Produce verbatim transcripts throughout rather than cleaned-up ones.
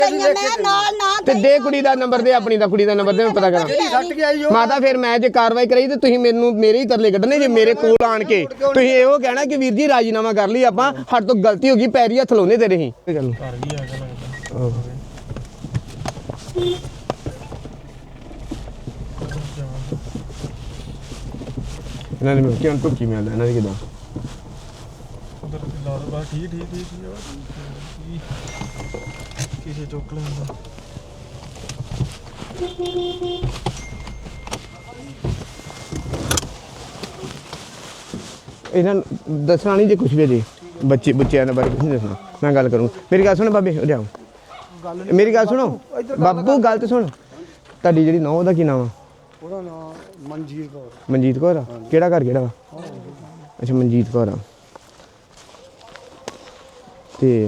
ਤੇ ਦੇ ਕੁੜੀ ਦਾ ਨੰਬਰ ਦੇ ਆਪਣੀ ਦਾ ਕੁੜੀ ਦਾ ਨੰਬਰ ਦੇ ਮੈਂ ਪਤਾ ਕਰਾਂ ਮਾਤਾ ਫਿਰ ਮੈਂ ਜੇ ਕਾਰਵਾਈ ਕਰਾਈ ਤੇ ਤੁਸੀਂ ਮੈਨੂੰ ਮੇਰੇ ਹੀ ਤਰਲੇ ਕੱਢਣੇ ਜੇ ਮੇਰੇ ਕੋਲ ਆਣ ਕੇ ਤੁਸੀਂ ਇਹੋ ਕਹਿਣਾ ਕਿ ਵੀਰ ਜੀ ਰਾਜੀਨਾਮਾ ਕਰ ਲਈ ਆਪਾਂ ਸਾਡੇ ਤੋਂ ਗਲਤੀ ਹੋ ਗਈ ਪੈਰੀ ਹੱਥ ਲਾਉਂਦੇ ਤੇਰੇ ਹੀ ਇਹਨਾਂ ਨੇ ਕਿਉਂ ਟੁੱਕੀ ਮਿਲਦਾ ਇਹਨਾਂ ਦੀ ਕਿਦਾਂ ਠੀਕ ਠੀਕ ਠੀਕ ਕਿਸੇ ਚੁੱਕ ਲੈਂਦਾ ਇਹਨਾਂ ਦੱਸਣਾ ਨਹੀਂ ਜੇ ਕੁਛ ਵੀ ਜੀ ਬੱਚੇ ਬੱਚਿਆਂ ਦੇ ਬਾਰੇ ਕੁਛ ਨਹੀਂ ਦੱਸਣਾ ਮੈਂ ਗੱਲ ਕਰੂੰ ਮੇਰੀ ਗੱਲ ਸੁਣ ਬਾਬੇ ਹੋ ਜਾਓ ਮੇਰੀ ਗੱਲ ਸੁਣੋ ਬਾਬੂ ਗੱਲ ਤੇ ਸੁਣ ਤੁਹਾਡੀ ਜਿਹੜੀ ਨੌਂ ਦਾ ਕੀ ਨਾਮ ਆ ਉਹਦਾ ਨਾਮ ਮਨਜੀਤ ਕੌਰ ਮਨਜੀਤ ਕੌਰ ਆ ਕਿਹੜਾ ਘਰ ਕਿਹੜਾ ਵਾ ਅੱਛਾ ਮਨਜੀਤ ਕੌਰ ਆ ਤੇ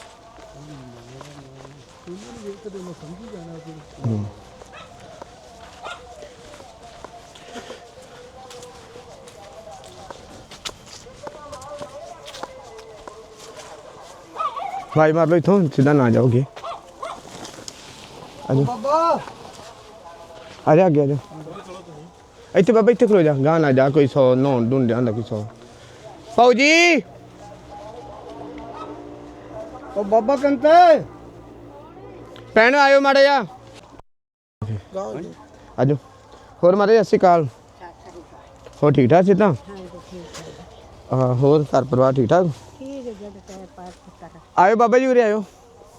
भाई मार लो इथों सीधा ना जाओगे आजो ਬਾਬਾ आ जा आगे आ जा इतने बाबा इतने खलो जा गां ना जा कोई सौ नौ ढूंढ आंदा कोई सौ पाऊ जी ਉਹ ਬਾਬਾ ਕੰਤੇ ਭੈਣ ਆਇਓ ਮਾੜਾ ਜਾ ਆਜੋ ਹੋਰ ਮਾਰੇ ਸਤਿ ਸ਼੍ਰੀ ਅਕਾਲ ਹੋਰ ਠੀਕ ਠਾਕ ਸੀ ਤਾਂ ਹਾਂ ਹੋਰ ਘਰ ਪਰਿਵਾਰ ਠੀਕ ਠਾਕ ਆਇਓ ਬਾਬਾ ਜੀ ਉਰੇ ਆਇਓ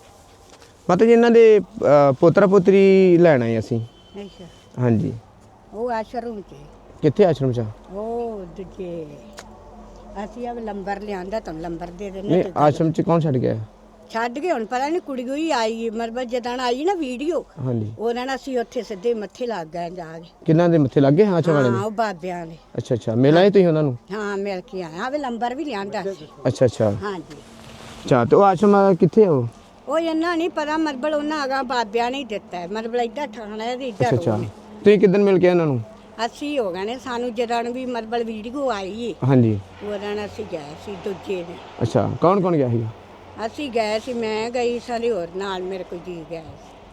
ਮਾਤਾ ਜੀ ਇਹਨਾਂ ਦੇ ਪੋਤਰਾ ਪੋਤਰੀ ਲੈਣ ਆਏ ਅਸੀਂ ਅੱਛਾ ਹਾਂਜੀ ਉਹ ਆਸ਼ਰਮ ਚ ਕਿੱਥੇ ਆਸ਼ਰਮ ਚ ਉਹ ਦੂਜੇ ਅਸੀਂ ਆ ਲੰਬਰ ਲਿਆਂਦਾ ਤਾਂ ਲੰਬਰ ਦੇ ਦੇਣੇ ਨਹੀਂ ਆਸ਼ਰਮ ਚ ਕੌਣ ਛੱਡ ਗਿਆ ਛੱਡ ਕੇ ਹੁਣ ਪਤਾ ਨਹੀਂ ਕੁੜੀ ਕੋਈ ਆਈ ਮਰਬਤ ਜਦਾਂ ਆਈ ਨਾ ਵੀਡੀਓ ਹਾਂਜੀ ਉਹਨਾਂ ਨਾਲ ਅਸੀਂ ਉੱਥੇ ਸਿੱਧੇ ਮੱਥੇ ਲੱਗ ਗਏ ਜਾ ਕੇ ਕਿੰਨਾਂ ਦੇ ਮੱਥੇ ਲੱਗੇ ਹਾਂ ਆਸ਼ਰਮ ਵਾਲੇ ਹਾਂ ਦੇ ਉਹ ਬਾਬਿਆਂ ਦੇ ਅੱਛਾ ਅੱਛਾ ਮਿਲ ਆਏ ਤੁਸੀਂ ਉਹਨਾਂ ਨੂੰ ਹਾਂ ਮਿਲ ਕੇ ਆਇਆ ਆਵੇ ਲੰਬਰ ਵੀ ਲਿਆਂਦਾ ਸੀ ਅੱਛਾ ਅੱਛਾ ਹਾਂਜੀ ਅੱਛਾ ਤੇ ਉਹ ਆਸ਼ਰਮ ਵਾਲਾ ਕਿੱਥੇ ਆ ਉਹ ਉਹ ਇਹਨਾਂ ਨਹੀਂ ਪਤਾ ਮਰਬਲ ਉਹਨਾਂ ਆਗਾ ਬਾਬਿਆਂ ਨੇ ਹੀ ਦਿੱਤਾ ਹੈ। ਮਰਬਲ ਇੱਦਾਂ ਠਾਣਾ ਹੈ ਤੇ ਅੱਛਾ ਇੱਦਾਂ ਅੱਛਾ ਤੁਸੀਂ ਕਿਦਨ ਮਿਲ ਕੇ ਆਏ ਉਹਨਾਂ ਨੂੰ ਅਸੀਂ ਹੋ ਗਏ ਨੇ ਸਾਨੂੰ ਜਦੋਂ ਵੀ ਮਰਬਲ ਵੀਡੀਓ ਆਈ ਏ ਹਾਂਜੀ ਉਹਨਾਂ ਨਾਲ ਅਸੀਂ ਗਏ ਸੀ ਦੂਜੇ ਨੇ ਅੱਛਾ ਕੌਣ ਕੌਣ ਗਿਆ ਸੀ ਅਸੀਂ ਗਏ ਸੀ ਮੈਂ ਗਈ ਸਾਰੇ ਹੋਰ ਨਾਲ ਮੇਰੇ ਕੋਈ ਜੀ ਗਏ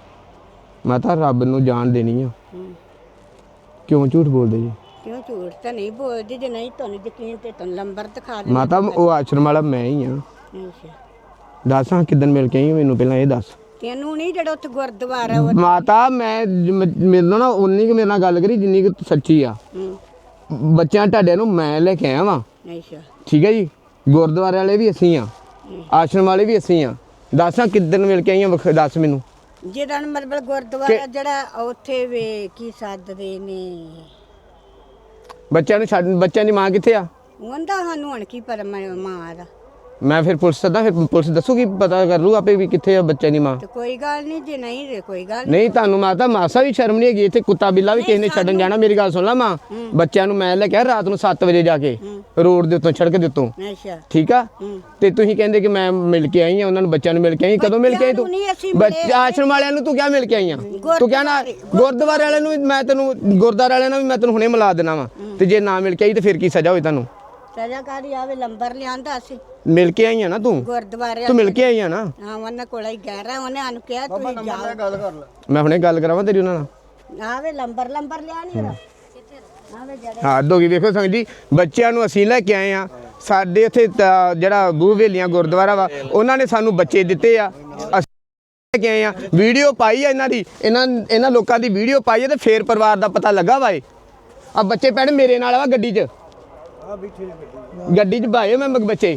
ਸੀ ਮੈਂ ਤਾਂ ਰੱਬ ਨੂੰ ਜਾਣ ਦੇਣੀ ਆ ਹੂੰ। ਕਿਉਂ ਝੂਠ ਬੋਲਦੇ ਜੀ ਕਿਉਂ ਝੂਠ ਤਾਂ ਨਹੀਂ ਬੋਲਦੀ ਜੇ ਨਹੀਂ ਤੁਹਾਨੂੰ ਯਕੀਨ ਤੇ ਤੁਹਾਨੂੰ ਲੰਬਰ ਦਿਖਾ ਦੇ ਮਾਤਾ ਉਹ ਆਸ਼ਰਮ ਵਾਲਾ ਮੈਂ ਹੀ ਆ ਅੱਛਾ ਦੱਸ ਹਾਂ ਕਿਦਨ ਮਿਲ ਕੇ ਆਈ ਮੈਨੂੰ ਪਹਿਲਾਂ ਇਹ ਦੱਸ ਤੈਨੂੰ ਨਹੀਂ ਜਿਹੜਾ ਉੱਥੇ ਗੁਰਦੁਆਰਾ ਵਾ ਮਾਤਾ ਮੈਂ ਮੈਨੂੰ ਨਾ ਉਨੀ ਕਿ ਮੇਰੇ ਨਾਲ ਗੱਲ ਕਰੀ ਜਿੰਨੀ ਕਿ ਸੱਚੀ ਆ ਹੂੰ ਬੱਚਿਆਂ ਤੁਹਾਡੇ ਨੂੰ ਮੈਂ ਲੈ ਕੇ ਆਇਆ ਵਾਂ ਅੱਛਾ ਠੀਕ ਹੈ ਜੀ ਗੁਰਦੁਆਰੇ ਵਾਲੇ ਵੀ ਅਸੀਂ ਆ ਆਸ਼ਰਮ ਵਾਲੇ ਵੀ ਅਸੀਂ ਆ ਦੱਸ ਹਾਂ ਕਿਦਨ ਮਿਲ ਕੇ ਆਈਆਂ ਵਖ- ਦੱਸ ਮੈਨੂੰ ਜਿਹੜਾ ਮਤਲਬ ਗੁਰਦੁਆਰਾ ਜਿਹੜਾ ਉੱਥੇ ਵੇ ਕੀ ਸੱਦਦੇ ਨੇ ਬੱਚਿਆਂ ਨੂੰ ਛੱਡ ਬੱਚਿਆਂ ਦੀ ਮਾਂ ਕਿੱਥੇ ਆ ਉਹਦਾ ਸਾਨੂੰ ਹੁਣ ਕੀ ਪਰ ਮਾਂ ਦਾ ਮੈਂ ਫਿਰ ਪੁਲਿਸ ਸੱਦਾ ਫਿਰ ਪੁਲਿਸ ਦੱਸੂਗੀ ਪਤਾ ਕਰ ਲੂ ਆਪੇ ਵੀ ਕਿੱਥੇ ਆ ਬੱਚਿਆਂ ਦੀ ਮਾਂ ਤੇ ਕੋਈ ਗੱਲ ਨਹੀਂ ਜੇ ਨਹੀਂ ਤੇ ਕੋਈ ਗੱਲ ਨੀ। ਨਹੀਂ ਤੁਹਾਨੂੰ ਮਾਤਾ ਮਾਸਾ ਵੀ ਸ਼ਰਮ ਨਹੀਂ ਹੈਗੀ ਇੱਥੇ ਕੁੱਤਾ ਬਿੱਲਾ ਵੀ ਕਿਸੇ ਨੇ ਛੱਡਣ ਜਾਣਾ ਮੇਰੀ ਗੱਲ ਸੁਣ ਲਾ ਮਾਂ ਬੱਚਿਆਂ ਨੂੰ ਮੈਂ ਲੈ ਕੇ ਆਇਆ ਰਾਤ ਨੂੰ ਸੱਤ ਵਜੇ ਜਾ ਕੇ ਰੋਡ ਦੇ ਉੱਤੋਂ ਸੜਕ ਦੇ ਉੱਤੋਂ ਅੱਛਾ ਠੀਕ ਆ ਹੂੰ। ਤੇ ਤੁਸੀਂ ਕਹਿੰਦੇ ਕਿ ਮੈਂ ਮਿਲ ਕੇ ਆਈ ਆ ਉਹਨਾਂ ਨੂੰ ਬੱਚਿਆਂ ਨੂੰ ਮਿਲ ਕੇ ਆਈ ਕਦੋਂ ਮਿਲ ਕੇ ਆਈ ਤੂੰ ਬੱਚਿਆਂ ਨੂੰ ਨਹੀਂ ਅਸੀਂ ਬੱਚੇ ਆਸ਼ਰਮ ਵਾਲਿਆਂ ਨੂੰ ਤੂੰ ਕਿਆ ਮਿਲ ਕੇ ਆਈ ਆ ਤੂੰ ਕਿਹਾ ਨਾ ਗੁਰਦੁਆਰੇ ਵਾਲਿਆਂ ਨੂੰ ਵੀ ਮੈਂ ਤੈਨੂੰ ਗੁਰਦੁਆਰੇ ਵਾਲਿਆਂ ਨਾਲ ਵੀ ਮੈਂ ਤੈਨੂੰ ਹੁਣੇ ਮਿਲਾ ਦੇਣਾ ਵਾ ਤੇ ਜੇ ਨਾ ਮਿਲ ਕੇ ਆਈ ਤੇ ਫਿਰ ਕੀ ਸਜ਼ਾ ਹੋਈ ਤੁਹਾਨੂੰ ਸਜ਼ਾਕਾਰੀ ਆਵੇ ਲੰਬਰ ਲਿਆਂਦਾ ਅਸੀਂ ਮਿਲ ਕੇ ਆਈ ਆ ਨਾ ਤੂੰ ਗੁਰਦੁਆਰੇ ਤੂੰ ਮਿਲ ਕੇ ਆਈ ਆ ਨਾ ਹਾਂ ਉਹਨਾਂ ਕੋਲ ਹੀ ਗਹਿ ਰਿਹਾ ਉਹਨੇ ਸਾਨੂੰ ਕਿਹਾ ਤੁਸੀਂ ਜਾਓ ਗੱਲ ਕਰ ਲੈ ਮੈਂ ਹੁਣੇ ਗੱਲ ਕਰਾਵਾਂ ਤੇਰੀ ਉਹਨਾਂ ਨਾਲ ਆਵੇ ਲੰਬਰ ਲੰਬਰ ਲਿਆ ਨਹੀਂ ਰਾ ਆਵੇ ਜਰਾ ਹਾਂ ਦੋਗੀ ਵੇਖੋ ਸੰਗ ਜੀ ਬੱਚਿਆਂ ਨੂੰ ਅਸੀਂ ਲੈ ਕੇ ਆਏ ਆ ਸਾਡੇ ਇੱਥੇ ਤਾਂ ਜਿਹੜਾ ਬੂਹ ਵੇਲੀਆਂ ਗੁਰਦੁਆਰਾ ਵਾ ਉਹਨਾਂ ਨੇ ਸਾਨੂੰ ਬੱਚੇ ਦਿੱਤੇ ਆ ਅਸੀਂ ਲੈ ਕੇ ਆਏ ਆ ਵੀਡੀਓ ਪਾਈ ਆ ਇਹਨਾਂ ਦੀ ਇਹਨਾਂ ਇਹਨਾਂ ਲੋਕਾਂ ਦੀ ਵੀਡੀਓ ਪਾਈ ਆ ਤੇ ਫੇਰ ਪਰਿਵਾਰ ਦਾ ਪਤਾ ਲੱਗਾ ਵਾ ਆ ਬੱਚੇ ਪੈਣ ਮੇਰੇ ਨਾਲ ਵਾ ਗੱਡੀ 'ਚ ਆ ਬੈਠੇ ਗੱਡੀ ਗੱਡੀ 'ਚ ਭਾਏ ਮੈਂ ਬੱਚੇ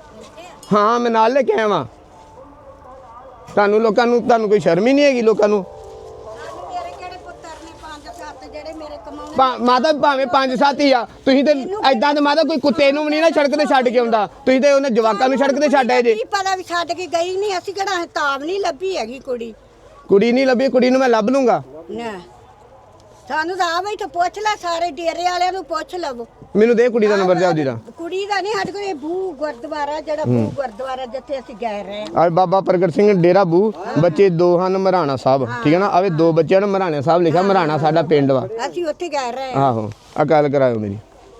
ਹਾਂ ਮੈਂ ਨਾਲ ਲੈ ਕੇ ਆਇਆ ਵਾਂ ਤੁਹਾਨੂੰ ਲੋਕਾਂ ਨੂੰ ਤੁਹਾਨੂੰ ਕੋਈ ਸ਼ਰਮ ਹੀ ਨਹੀਂ ਹੈਗੀ ਲੋਕਾਂ ਨੂੰ ਮੇਰੇ ਕਿਹੜੇ ਪੁੱਤਰ ਨੇ ਪੰਜ ਸੱਤ ਜਿਹੜੇ ਮੇਰੇ ਕਮਾਉਣੇ ਭਾ- ਮਾਤਾ ਭਾਵੇਂ ਪੰਜ ਸੱਤ ਹੀ ਆ ਤੁਸੀਂ ਤੇ ਐਦਾਂ ਤੇ ਮਾਤਾ ਕੋਈ ਕੁੱਤੇ ਨੂੰ ਵੀ ਨਹੀਂ ਨਾ ਸੜਕ ਤੇ ਛੱਡ ਕੇ ਆਉਂਦਾ ਤੁਸੀਂ ਤੇ ਉਹਨੇ ਜਵਾਕਾਂ ਨੂੰ ਸੜਕ ਤੇ ਛੱਡ ਆਏ ਜੇ ਕੀ ਪਤਾ ਵੀ ਛੱਡ ਕੇ ਗਈ ਨਹੀਂ ਅਸੀਂ ਕਿਹੜਾ ਤਾਬ ਨਹੀਂ ਲੱਭੀ ਹੈਗੀ ਕੁੜੀ ਕੁੜੀ ਨਹੀਂ ਲੱਭੀ ਕੁੜੀ ਨੂੰ ਮੈਂ ਲੱਭ ਲੂੰਗਾ ਨਾ ਸਾਨੂੰ ਤਾਂ ਆ ਬਈ ਤੇ ਪੁੱਛ ਲੈ ਸਾਰੇ ਡੇਰੇ ਵਾਲਿਆਂ ਨੂੰ ਪੁੱਛ ਲਵੋ ਮੈਨੂੰ ਦੇ ਕੁੜੀ ਦਾ ਨੰਬਰ ਦੇ ਆਪਦੀ ਦਾ ਕੁੜੀ ਦਾ ਨਹੀਂ ਸਾਡੇ ਕੋਲ ਇਹ ਬੂ ਗੁਰਦੁਆਰਾ ਜਿਹੜਾ ਬੂ ਗੁਰਦੁਆਰਾ ਜਿੱਥੇ ਅਸੀਂ ਗਏ ਰਹੇ ਆ ਬਾਬਾ ਪ੍ਰਗਟ ਸਿੰਘ ਡੇਰਾ ਬੂ ਬੱਚੇ ਦੋ ਹਨ ਮਰਾਣਾ ਸਾਹਿਬ ਠੀਕ ਹੈ ਨਾ ਆਵੇ ਦੋ ਬੱਚਿਆਂ ਨੂੰ ਮਰਾਣਾ ਸਾਹਿਬ ਲਿਖਿਆ ਮਰਾਣਾ ਸਾਡਾ ਪਿੰਡ ਵਾ ਅਸੀਂ ਉੱਥੇ ਗਏ ਰਹੇ ਆਹੋ ਆ ਗੱਲ ਕਰਾਇਓ ਮੇਰੀ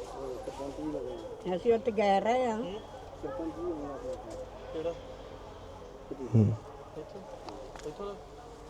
ਅਸੀਂ ਉੱਥੇ ਗਏ ਰਹੇ ਆ ਇੱਥੋਂ ਦਾ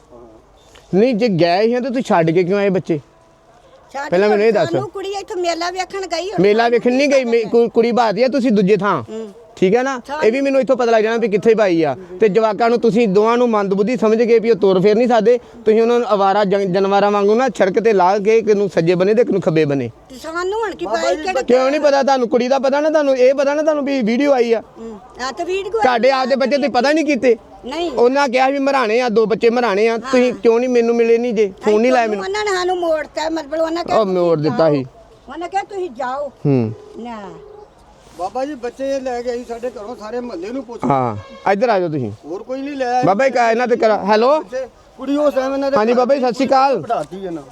ਨਹੀਂ ਜੇ ਗਏ ਹੀ ਆ ਤਾਂ ਤੁਸੀਂ ਛੱਡ ਕੇ ਕਿਉਂ ਆਏ ਬੱਚੇ? ਛੱਡ ਪਹਿਲਾਂ ਮੈਨੂੰ ਇਹ ਦੱਸ। ਸਾਨੂੰ ਕੁੜੀ ਇੱਥੇ ਮੇਲਾ ਵੇਖਣ ਗਈ ਹੁਣ ਮੇਲਾ ਵੇਖਣ ਨਹੀਂ ਗਈ ਮੇ- ਕੁ- ਕੁੜੀ ਬਾਦੀ ਆ, ਤੁਸੀਂ ਦੂਜੇ ਥਾਂ ਠੀਕ ਹੈ ਨਾ। ਇਹ ਵੀ ਮੈਨੂੰ ਇੱਥੋਂ ਪਤਾ ਲੱਗ ਜਾਣਾ ਵੀ ਕਿੱਥੇ ਪਾਈ ਆ। ਤੇ ਜਵਾਕਾਂ ਨੂੰ ਤੁਸੀਂ ਦੋਵਾਂ ਨੂੰ ਮੰਦਬੁੱਧੀ ਸਮਝ ਕੇ ਵੀ ਉਹ ਤੁਰ ਫੇਰ ਨਹੀਂ ਸਕਦੇ, ਤੁਸੀਂ ਉਹਨਾਂ ਨੂੰ ਅਵਾਰਾ ਜੰ- ਜਾਨਵਰਾਂ ਵਾਂਗੂ ਨਾ ਸੜਕ ਤੇ ਲਾ ਕੇ ਕਿ ਨੂੰ ਸੱਜੇ ਬਨੇ ਤੇ ਕਿ ਨੂੰ ਖੱਬੇ ਬਨੇ। ਤੇ ਸਾਨੂੰ ਹੁਣ ਕੀ ਪਤਾ ਕਿਹੜੇ ਕਿਉਂ ਨਹੀਂ ਪਤਾ ਤੁਹਾਨੂੰ? ਕੁੜੀ ਦਾ ਪਤਾ ਨਾ ਤੁਹਾਨੂੰ, ਇਹ ਪਤਾ ਨਾ ਤੁਹਾਨੂੰ ਵੀ ਵੀਡੀਓ ਆਈ ਆ। ਆ ਤੇ ਵੀਡੀਓ ਤੁਹਾਡੇ ਆਪਦੇ ਬੱਚੇ ਤੁਸੀਂ ਪਤਾ ਨਹੀਂ ਕੀਤੇ। ਨਹੀਂ ਉਹਨਾਂ ਕਿਹਾ ਵੀ ਮਰਾਣੇ ਆ, ਦੋ ਬੱਚੇ ਮਰਾਣੇ ਆ, ਤੁਸੀਂ ਕਿਉਂ ਨਹੀਂ ਮੈਨੂੰ ਮਿਲੇ ਨਹੀਂ ਜੇ ਫੋਨ ਨਹੀਂ ਲਾਇਆ ਮੈਨੂੰ? ਉਹਨਾਂ ਨੇ ਸਾਨੂੰ ਮੋੜਤਾ ਮਤਲਬ ਉਹਨਾਂ ਕਿਹਾ ਉਹ ਮੋੜ ਦਿੱਤਾ ਸੀ। ਉਹਨਾਂ ਕਿਹਾ ਤੁਸੀਂ ਜਾਓ ਹੂੰ ਨਾ ਬਾਬਾ ਜੀ ਬੱਚੇ ਲੈ ਕੇ ਆਈ ਸਾਡੇ ਘਰੋਂ, ਸਾਰੇ ਮਹੱਲੇ ਨੂੰ ਪੁੱਛ, ਹਾਂ ਇੱਧਰ ਆ ਜਾਓ ਤੁਸੀਂ। ਹੋਰ ਕੋਈ ਨਹੀਂ ਲੈ ਆਇਆ ਬਾਬਾ ਜੀ ਕਾ ਇਹਨਾਂ ਤੇ ਕਰਾ ਹੈਲੋ। ਬੱਚੇ। ਕੁੜੀ ਉਸ ਟਾਈਮ ਇਹਨਾਂ ਦੇ ਹਾਂਜੀ ਬਾਬਾ ਜੀ ਸਤਿ ਸ਼੍ਰੀ ਅਕਾਲ। ਪੜਾਤੀ ਇਹਨਾਂ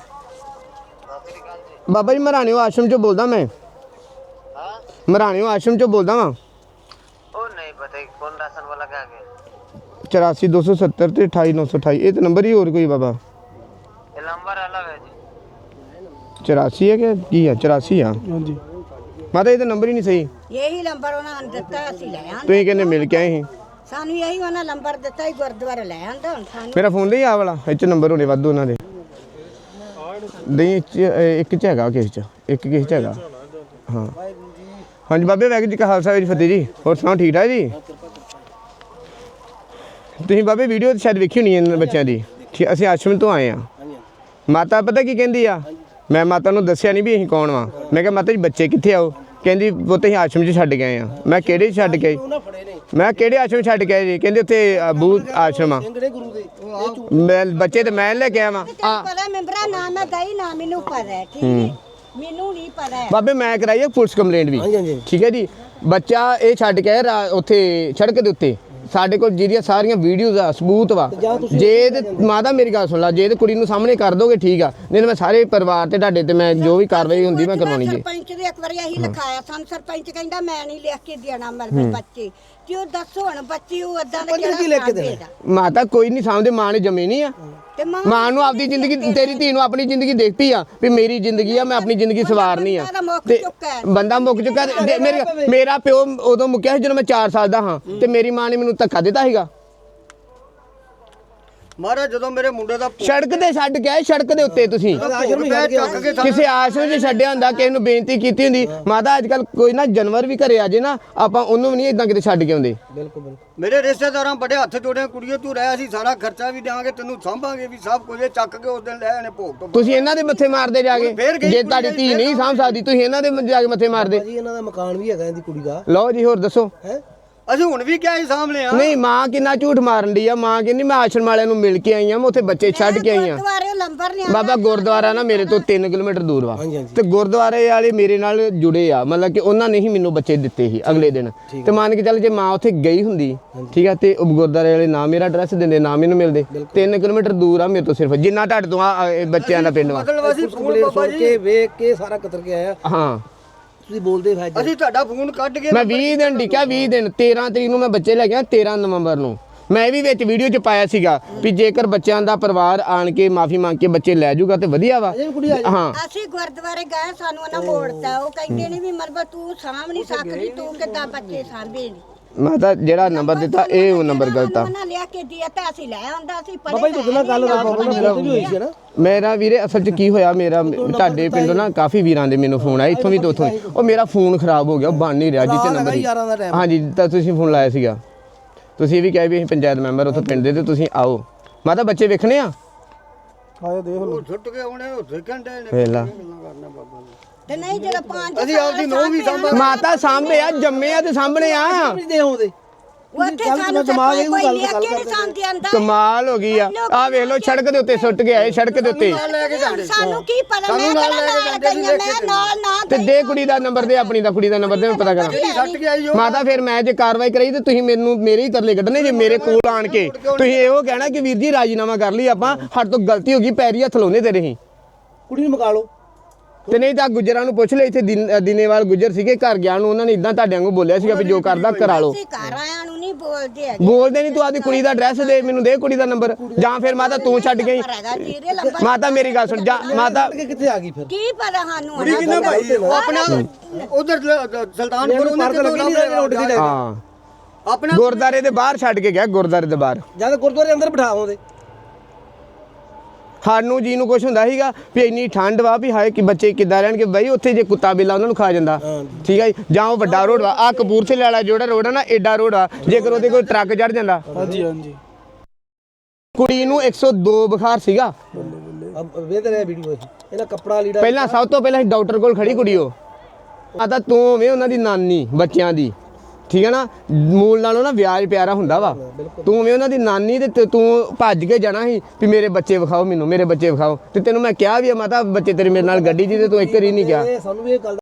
ਬਾਬਾ ਜੀ ਮਰਾਣਿਓ ਆਸ਼ਰਮ ਚੋਂ ਬੋਲਦਾ ਮੈਂ। हाँ ਮਰਾਣਿਓ ਆਸ਼ਰਮ ਚੋਂ ਬੋਲਦਾ ਵਾਂ। ओ नहीं पता कि कौन राशन वाला के आगे ਚੁਰਾਸੀ ਦੋ ਸੌ ਸੱਤਰ ਤੇ ਅਠਾਈ ਨੌ ਸੌ ਅਠਾਈ ਇਹ ਤਾਂ ਨੰਬਰ ਹੀ ਹੋਰ ਕੋਈ ਬਾਬਾ? ये नंबर अलग है जी। ਚੁਰਾਸੀ ਹੈ ਕਿ ਕੀ ਆ? ਚੁਰਾਸੀ ਆ ਹਾਂਜੀ ਮਾਤਾ ਇਹ ਤਾਂ ਨੰਬਰ ਹੀ ਨਹੀਂ ਸਹੀ। ਇਹੀ ਨੰਬਰ ਉਹਨਾਂ ਨੇ ਦਿੱਤਾ ਅਸੀਂ ਲੈ ਆਂਦੇ ਤੁਸੀਂ ਕਹਿੰਦੇ ਮਿਲ ਕੇ ਆਏ ਸੀ। ਸਾਨੂੰ ਇਹੀ ਉਹਨਾਂ ਨੰਬਰ ਦਿੱਤਾ ਹੀ ਗੁਰਦੁਆਰੇ ਲੈ ਆਂਦਾ ਹੁਣ ਸਾਨੂੰ ਮੇਰਾ ਫੋਨ ਲਈ ਆ ਵਾਲਾ ਇਹ ਚ ਨੰਬਰ ਹੋਣੇ ਵਾਧੂ ਉਹਨਾਂ ਦੇ। ਨਹੀਂ ਇਹ 'ਚ, ਇਹ ਇੱਕ ਚ ਹੈਗਾ ਕਿਸ ਚ, ਇੱਕ ਕਿਸ ਚ ਹੈਗਾ। ਹਾਂ ਹਾਂਜੀ ਬਾਬੇ ਵਾਹਿਗੁਰੂ ਜੀ ਕਾ ਖਾਲਸਾ ਵਾਹਿਗੁਰੂ ਜੀ ਕੀ ਫਤਿਹ ਜੀ। ਹੋਰ ਸੁਣਾਓ ਠੀਕ ਠਾਕ ਜੀ? ਤੁਸੀਂ ਬਾਬੇ ਵੀਡੀਓ ਸ਼ਾਇਦ ਵੇਖੀ ਹੋਣੀ ਇਹਨਾਂ ਬੱਚਿਆਂ ਦੀ। ਠੀਕ ਅਸੀਂ ਆਸ਼ਰਮ ਤੋਂ ਆਏ ਆ। ਮਾਤਾ ਪਤਾ ਕੀ ਕਹਿੰਦੀ ਆ? ਮੈਂ ਮਾਤਾ ਨੂੰ ਦੱਸਿਆ ਨਹੀਂ ਵੀ ਅਸੀਂ ਕੌਣ ਵਾਂ। ਮੈਂ ਕਿਹਾ ਮਾਤਾ ਜੀ ਬੱਚੇ ਕਿੱਥੇ ਆਓ? ਕਹਿੰਦੀ ਉਹ ਤੇ ਅਸੀਂ ਆਸ਼ਰਮ 'ਚ ਛੱਡ ਗਏ ਆ। ਮੈਂ ਕਿਹੜੇ 'ਚ ਛੱਡ ਕੇ ਆਈ? ਮੈਂ ਕਿਹੜੇ ਆਸ਼ਰਮ 'ਚ ਛੱਡ ਕੇ ਆਏ ਜੀ? ਕਹਿੰਦੇ ਉੱਥੇ ਅਬੂ ਆਸ਼ਰਮ ਆ। ਮੈਂ ਬੱਚੇ ਤੇ ਮੈਂ ਲੈ ਕੇ ਆਇਆ ਵਾਂ। ਤੈਨੂੰ ਪਤਾ ਮੈਂਬਰਾ ਨਾ ਮੈਂ ਗਈ ਨਾ ਮੈਨੂੰ ਪਤਾ ਹੈ, ਠੀਕ ਹੈ ਮੈਨੂੰ ਨਹੀਂ ਪਤਾ ਹੈ। ਬਾਬੇ ਮੈਂ ਕਰਾਈ ਹੈ ਪੁਲਿਸ ਕੰਪਲੇਂਟ ਵੀ। ਠੀਕ ਹੈ ਜੀ। ਬੱਚਾ ਇਹ ਛੱਡ ਕੇ ਆਇਆ ਰਾ- ਉੱਥੇ ਸੜਕ ਦੇ ਉੱਤੇ। ਸਾਡੇ ਕੋਲ ਜਿਹਦੀਆਂ ਸਾਰੀਆਂ ਵੀਡੀਓਜ਼ ਆ, ਸਬੂਤ ਵਾ। ਜੇ ਤੇ ਮਾਤਾ ਮੇਰੀ ਗੱਲ ਸੁਣ ਲਾ, ਜੇ ਤੇ ਕੁੜੀ ਨੂੰ ਸਾਹਮਣੇ ਕਰ ਦੋਗੇ ਠੀਕ ਆ, ਨਹੀਂ ਤਾਂ ਮੈਂ ਸਾਰੇ ਪਰਿਵਾਰ ਤੇ ਤੁਹਾਡੇ ਤੇ ਮੈਂ ਜੋ ਵੀ ਕਾਰਵਾਈ ਹੁੰਦੀ ਮੈਂ ਕਰਵਾਉਣੀ ਜੀ। ਸਰਪੰਚ ਦੇ ਇੱਕ ਵਾਰੀ ਅਸੀਂ ਲਿਖਾਇਆ, ਸਾਨੂੰ ਸਰਪੰਚ ਕਹਿੰਦਾ ਮੈਂ ਨਹੀਂ ਲਿਖ ਕੇ ਦੇਣਾ ਮਰਦੇ ਬੱਚੇ। ਤੇ ਉਹ ਦੱਸੋ ਹੁਣ ਬੱਚੀ ਉਹ ਏਦਾਂ ਦਾ ਕਿਹੜਾ ਮਾਤਾ ਕੋਈ ਨਹੀਂ ਸਾਹਮਣੇ, ਮਾਂ ਨੇ ਜੰਮੇ ਨਹੀਂ ਆ। ਤੇ ਮਾਂ ਮਾਂ ਨੂੰ ਆਪਦੀ ਜ਼ਿੰਦਗੀ, ਤੇਰੀ ਧੀ ਨੂੰ ਆਪਣੀ ਜ਼ਿੰਦਗੀ ਦੇਖ ਪਈ ਆ ਵੀ ਮੇਰੀ ਜ਼ਿੰਦਗੀ ਆ, ਮੈਂ ਆਪਣੀ ਜ਼ਿੰਦਗੀ ਸਵਾਰਨੀ ਆ। ਤੇ ਬੰਦਾ ਮੁੱਕ ਚੁੱਕਾ। ਤੇ ਮੇਰੇ ਮੇਰਾ ਪਿਓ ਉਦੋਂ ਮੁੱਕਿਆ ਸੀ ਜਦੋਂ ਮੈਂ ਚਾਰ ਸਾਲ ਦਾ ਹਾਂ, ਤੇ ਮੇਰੀ ਮਾਂ ਨੇ ਮੈਨੂੰ ਧੱਕਾ ਦਿੱਤਾ ਸੀਗਾ। ਮਹਾਰਾਜ ਜਦੋਂ ਮੇਰੇ ਮੁੰਡੇ ਦਾ ਸੜਕ ਤੇ ਛੱਡ ਕੇ ਆਏ, ਸੜਕ ਦੇ ਉੱਤੇ ਤੁਸੀਂ ਆਸ਼ਰਮ ਹੀ ਚੱਕ ਕੇ ਕਿਸੇ ਆਸ਼ਰਮ 'ਚ ਛੱਡਿਆ ਹੁੰਦਾ, ਕਿਸੇ ਨੂੰ ਬੇਨਤੀ ਕੀਤੀ ਹੁੰਦੀ। ਮਾਤਾ ਅੱਜ ਕੱਲ ਕੋਈ ਨਾ ਜਾਨਵਰ ਵੀ ਘਰੇ ਆ ਜੇ ਨਾ, ਆਪਾਂ ਉਹਨੂੰ ਵੀ ਨਹੀਂ ਇਦਾਂ ਕਿਤੇ ਛੱਡ ਕੇ ਆਉਂਦੇ। ਮੇਰੇ ਰਿਸ਼ਤੇਦਾਰਾਂ ਬੜੇ ਹੱਥ ਜੋੜੇ, ਕੁੜੀਏ ਤੂੰ ਰਹਿ, ਅਸੀਂ ਸਾਰਾ ਖਰਚਾ ਵੀ ਦੇਵਾਂਗੇ, ਤੈਨੂੰ ਸਾਂਭਾਂਗੇ ਵੀ, ਸਭ ਕੁਝ ਇਹ ਚੱਕ ਕੇ ਉਸ ਦਿਨ ਲੈ ਆਣੇ ਭੋਗ ਤੋਂ। ਤੁਸੀਂ ਇਹਨਾਂ ਦੇ ਮੱਥੇ ਮਾਰਦੇ ਜਾ ਕੇ। ਜੇ ਤੁਹਾਡੀ ਧੀ ਨਹੀਂ ਸਾਂਭ ਸਕਦੀ, ਤੁਸੀਂ ਇਹਨਾਂ ਦੇ ਜਾ ਕੇ ਮੱਥੇ ਮਾਰਦੇ। ਜੀ ਇਹਨਾਂ ਦਾ ਮਕਾਨ ਵੀ ਹੈਗਾ ਇਹਦੀ ਕੁੜੀ ਦਾ। ਲਓ ਜੀ ਹੋਰ ਦੱਸੋ। ਹੈ ਅਸੀਂ ਹੁਣ ਵੀ ਕਿਹਾ ਸੀ ਸਾਹਮਣੇ ਆ। ਨਹੀਂ ਮਾਂ ਕਿੰਨਾ ਝੂਠ ਮਾਰਨ ਦੀ ਆ। ਮਾਂ ਕਹਿੰਦੀ ਮੈਂ ਆਸ਼ਰਮ ਵਾਲਿਆਂ ਨੂੰ ਮਿਲ ਕੇ ਆਈ ਆ, ਮੈਂ ਉੱਥੇ ਬੱਚੇ ਛੱਡ ਕੇ ਆਈ ਆ। ਗੁਰਦੁਆਰੇ ਲੰਬਰ ਨਹੀਂ ਬਾਬਾ ਗੁਰਦੁਆਰਾ ਨਾ ਮੇਰੇ ਤੋਂ ਤਿੰਨ ਕਿਲੋਮੀਟਰ ਦੂਰ ਵਾ, ਤੇ ਗੁਰਦੁਆਰੇ ਵਾਲੇ ਮੇਰੇ ਨਾਲ ਜੁੜੇ ਆ, ਮਤਲਬ ਕਿ ਉਹਨਾਂ ਨੇ ਹੀ ਮੈਨੂੰ ਬੱਚੇ ਦਿੱਤੇ ਸੀ ਅਗਲੇ ਦਿਨ। ਤੇ ਮੰਨ ਕੇ ਚੱਲ ਜੇ ਮਾਂ ਉੱਥੇ ਗਈ ਹੁੰਦੀ ਠੀਕ ਆ, ਤੇ ਉਹ ਗੁਰਦੁਆਰੇ ਵਾਲੇ ਨਾ ਮੇਰਾ ਐਡਰੈਸ ਦਿੰਦੇ ਨਾ ਮੈਨੂੰ ਮਿਲਦੇ। ਤਿੰਨ ਕਿਲੋਮੀਟਰ ਦੂਰ ਆ ਮੇਰੇ ਤੋਂ ਸਿਰਫ, ਜਿੰਨਾ ਤੁਹਾਡੇ ਤੋਂ ਆ ਇਹ ਬੱਚਿਆਂ ਦਾ ਪਿੰਡ ਵਾ। ਮਤਲਬ ਅਸੀਂ ਫੋਨ ਬਾਬਾ ਸੁਣ ਜੀ, ਕੇ ਵੇਖ ਕੇ ਸਾਰਾ ਕਤਰ ਕੇ ਆਇਆ। ਹਾਂ ਤੁਸੀਂ ਬੋਲਦੇ ਫਾਇਦਾ ਅਸੀਂ ਤੁਹਾਡਾ ਫੋਨ ਕੱਢ ਕੇ ਮੈਂ ਵੀਹ ਦਿਨ ਡਿੱਕਿਆ, ਵੀਹ ਦਿਨ ਤੇਰਾਂ ਤਰੀਕ ਨੂੰ ਮੈਂ ਬੱਚੇ ਲੈ ਗਿਆ, ਤੇਰਾਂ ਨਵੰਬਰ ਨੂੰ। ਮੈਂ ਵੀ ਵਿੱਚ ਵੀਡੀਓ 'ਚ ਪਾਇਆ ਸੀਗਾ ਵੀ ਜੇਕਰ ਬੱਚਿਆਂ ਦਾ ਪਰਿਵਾਰ ਆਣ ਕੇ ਮਾਫੀ ਮੰਗ ਕੇ ਬੱਚੇ ਲੈ ਜਾਊਗਾ ਤੇ ਵਧੀਆ ਵਾ। ਹਾਂ ਅਸੀਂ ਗੁਰਦੁਆਰੇ ਗਏ, ਸਾਨੂੰ ਉਹਨਾਂ ਮੋੜਤਾ। ਉਹ ਕਹਿੰਦੇ ਨੇ ਵੀ ਮਰਬਾ ਤੂੰ ਸਾਂਭ ਨਹੀਂ ਸਕਦੀ, ਤੂੰ ਕਿੱਦਾਂ ਬੱਚੇ ਸਾਂਭੇ ਨੇ। ਮੈਂ ਤਾਂ ਜਿਹੜਾ ਨੰਬਰ ਦਿੱਤਾ ਇਹ ਉਹ ਨੰਬਰ ਗਲਤ ਆ। ਉਹਨਾਂ ਲਿਆ ਕੇ ਦਿਆ ਤਾਂ ਅਸੀਂ ਲੈ ਆਉਂਦਾ ਸੀ। ਬਾਬਾ ਜੀ ਤੁਹਾਡੇ ਨਾਲ ਗੱਲ ਬਾਬਾ ਨਾਲ ਵੀ ਹੋਈ ਸੀ ਨਾ। ਮੇਰਾ ਵੀਰੇ ਅਸਲ 'ਚ ਕੀ ਹੋਇਆ, ਮੇਰਾ ਤੁਹਾਡੇ ਪਿੰਡੋਂ ਨਾ ਕਾਫੀ ਵੀਰਾਂ ਦੇ ਮੈਨੂੰ ਫੋਨ ਆਇਆ, ਇੱਥੋਂ ਵੀ ਤੇ ਉੱਥੋਂ ਵੀ। ਉਹ ਮੇਰਾ ਫੋਨ ਖਰਾਬ ਹੋ ਗਿਆ, ਉਹ ਬਣ ਨਹੀਂ ਰਿਹਾ ਜਿੱਤੇ ਨੰਬਰ ਹੀ। ਯਾਰਾਂ ਦਾ ਟਾਈਮ ਹਾਂਜੀ ਤਾਂ ਤੁਸੀਂ ਫੋਨ ਲਾਇਆ ਸੀਗਾ, ਤੁਸੀਂ ਵੀ ਕਹੇ ਵੀ ਅਸੀਂ ਪੰਚਾਇਤ ਮੈਂਬਰ ਉੱਥੋਂ ਪਿੰਡ ਦੇ, ਤੇ ਤੁਸੀਂ ਆਓ। ਮੈਂ ਤਾਂ ਬੱਚੇ ਵੇਖਣੇ ਆ। ਆਇਆ ਦੇਖ ਲਓ, ਛੁੱਟ ਕੇ ਆਉਣੇ ਉਹ ਦੇਖਣ ਦੇ ਨੇ ਵੇਖ ਲਾ ਕਰਨਾ ਬਾਬਾ ਨੇ। ਤੇ ਨਹੀਂ ਜਿਹੜਾ ਪੰਜ ਅਸੀਂ ਆਪਦੀ ਨੂੰਹ ਵੀ ਸਾਂਭਾਂਗੇ। ਮਾਤਾ ਸਾਹਮਣੇ ਆ, ਜੰਮੇ ਆ ਤੇ ਸਾਹਮਣੇ ਆ। ਦੇ ਆਉਂਦੇ ਉੱਥੇ ਸਾਨੂੰ ਦਿਮਾਗ ਇਹ ਗੱਲ ਲਿਆ ਕੇ ਨਹੀਂ ਸਾਂਭਦੇ ਆਂਦਾ। ਕਮਾਲ ਹੋ ਗਈ ਆ। ਆ ਵੇਖ ਲਓ ਸੜਕ ਦੇ ਉੱਤੇ ਸੁੱਟ ਕੇ ਆਏ, ਸੜਕ ਦੇ ਉੱਤੇ। ਸਾਨੂੰ ਕੀ ਪਤਾ, ਮੈਂ ਨਾਲ ਨਾਲ ਗਈਆਂ, ਮੈਂ ਨਾਲ ਨਾ ਤੇ ਦੇ ਕੁੜੀ ਦਾ ਨੰਬਰ ਦੇ, ਆਪਣੀ ਦਾ ਕੁੜੀ ਦਾ ਨੰਬਰ ਦੇ, ਮੈਂ ਪਤਾ ਕਰਾਂ। ਛੱਟ ਕੇ ਆਈ ਉਹ ਮਾਤਾ ਫਿਰ ਮੈਂ ਜੇ ਕਾਰਵਾਈ ਕਰਾਈ ਤੇ ਤੁਸੀਂ ਮੈਨੂੰ ਮੇਰੇ ਹੀ ਤਰਲੇ ਕੱਢਣੇ ਜੇ ਮੇਰੇ ਕੋਲ ਆਣ ਕੇ। ਤੁਸੀਂ ਇਹੋ ਕਹਿਣਾ ਕਿ ਵੀਰ ਜੀ ਰਾਜੀਨਾਮਾ ਕਰ ਲਈ ਆਪਾਂ, ਸਾਡੇ ਤੋਂ ਗਲਤੀ ਹੋ ਗਈ, ਪੈਰੀ ਹੱਥ ਲਾਉਂਦੇ ਤੇਰੇ ਹੀ। ਕੁੜੀ ਨੂੰ ਮਕਾ ਲਓ। ਤੇ ਨਹੀਂ ਤਾਂ ਗੁੱਜਰਾਂ ਨੂੰ ਪੁੱਛ ਲੈ, ਇੱਥੇ ਦਿਨ- ਦਿਨੇਵਾਲ ਗੁੱਜਰ ਸੀਗੇ, ਘਰ ਗਿਆ ਨੂੰ ਉਹਨਾਂ ਨੇ ਇਦਾਂ ਤੁਹਾਡੇ ਵਾਂਗੂ ਬੋਲਿਆ ਸੀਗਾ ਵੀ ਜੋ ਕਰਦਾ ਕਰਾ ਲਓ। ਅਸੀਂ ਘਰ ਆਇਆਂ ਨੂੰ ਨਹੀਂ ਬੋਲਦੇ ਹੈਗੇ। ਬੋਲਦੇ ਨਹੀਂ, ਤੂੰ ਆਪਦੀ ਕੁੜੀ ਦਾ ਐਡਰੈਸ ਦੇ, ਮੈਨੂੰ ਦੇ ਕੁੜੀ ਦਾ ਨੰਬਰ, ਜਾਂ ਫਿਰ ਮਾਤਾ ਤੂੰ ਛੱਡ ਗਈ। ਹੈਗਾ ਜੀਰੇ ਲੰਬਾ ਮਾਤਾ ਮੇਰੀ ਗੱਲ ਸੁਣ, ਜਾ ਮਾਤਾ ਕਿੱਥੇ ਆ ਗਈ ਫਿਰ? ਕੀ ਪਤਾ ਸਾਨੂੰ ਕੁੜੀ ਕਿੰਨਾ ਭਾਈ ਉਹ ਆਪਣਾ ਉਧਰ ਸੁਲਤਾਨਪੁਰ ਉਹਨੇ ਕਿਦੋਂ ਲੱਭ ਲਿਆ ਹਾਂ ਆਪਣਾ ਗੁਰਦਾਰੇ ਦੇ ਬਾਹਰ ਛੱਡ ਕੇ ਗਿਆ, ਗੁਰਦਾਰੇ ਦੇ ਬਾਹਰ। ਜਦ ਗੁਰਦੁਆਰੇ ਅੰਦਰ ਬਿਠਾ ਆਉਂਦੇ ਸਾਨੂੰ ਜੀ ਨੂੰ ਕੁਝ ਹੁੰਦਾ ਸੀਗਾ ਵੀ ਇੰਨੀ ਠੰਡ ਵਾ ਵੀ ਹਾਏ ਕਿ ਬੱਚੇ ਕਿੱਦਾਂ ਰਹਿਣਗੇ ਬਈ ਉੱਥੇ ਜੇ ਕੁੱਤਾ ਬਿੱਲਾ ਉਹਨਾਂ ਨੂੰ ਖਾ ਜਾਂਦਾ ਠੀਕ ਹੈ ਜੀ ਜਾਂ ਉਹ ਵੱਡਾ ਰੋਡ ਵਾ ਆ ਕਪੂਰਥਲੇ ਵਾਲਾ ਜਿਹੜਾ ਰੋਡ ਆ ਨਾ ਐਡਾ ਰੋਡ ਆ ਜੇਕਰ ਉਹਦੇ ਕੋਈ ਟਰੱਕ ਚੜ ਜਾਂਦਾ ਹਾਂਜੀ ਹਾਂਜੀ ਕੁੜੀ ਨੂੰ ਇੱਕ ਸੌ ਦੋ ਬੁਖਾਰ ਸੀਗਾ ਅਬ ਵੇਖ ਰਿਹਾ ਵੀਡੀਓ ਇਹਦਾ ਕੱਪੜਾ ਲੀੜਾ ਪਹਿਲਾਂ ਸਭ ਤੋਂ ਪਹਿਲਾਂ ਡਾਕਟਰ ਕੋਲ ਖੜੀ ਕੁੜੀ ਉਹ ਆ ਤਾਂ ਤੂੰ ਵੇ ਉਹਨਾਂ ਦੀ ਨਾਨੀ ਬੱਚਿਆਂ ਦੀ ਠੀਕ ਹੈ ਨਾ ਮੂਲ ਨਾਲੋਂ ਨਾ ਵਿਆਜ ਪਿਆਰਾ ਹੁੰਦਾ ਵਾ ਤੂੰ ਵੇ ਉਹਨਾਂ ਦੀ ਨਾਨੀ ਤੇ ਤੂੰ ਭੱਜ ਕੇ ਜਾਣਾ ਸੀ ਵੀ ਮੇਰੇ ਬੱਚੇ ਵਿਖਾਓ ਮੈਨੂੰ ਮੇਰੇ ਬੱਚੇ ਵਿਖਾਓ ਤੇ ਤੈਨੂੰ ਮੈਂ ਕਿਹਾ ਵੀ ਆ ਮਾਤਾ ਬੱਚੇ ਤੇਰੇ ਮੇਰੇ ਨਾਲ ਗੱਡੀ 'ਚ ਤੇ ਤੂੰ ਇੱਕ ਵਾਰੀ ਨਹੀਂ ਗਿਆ ਇਹ ਸਾਨੂੰ ਵੀ ਇਹ ਗੱਲ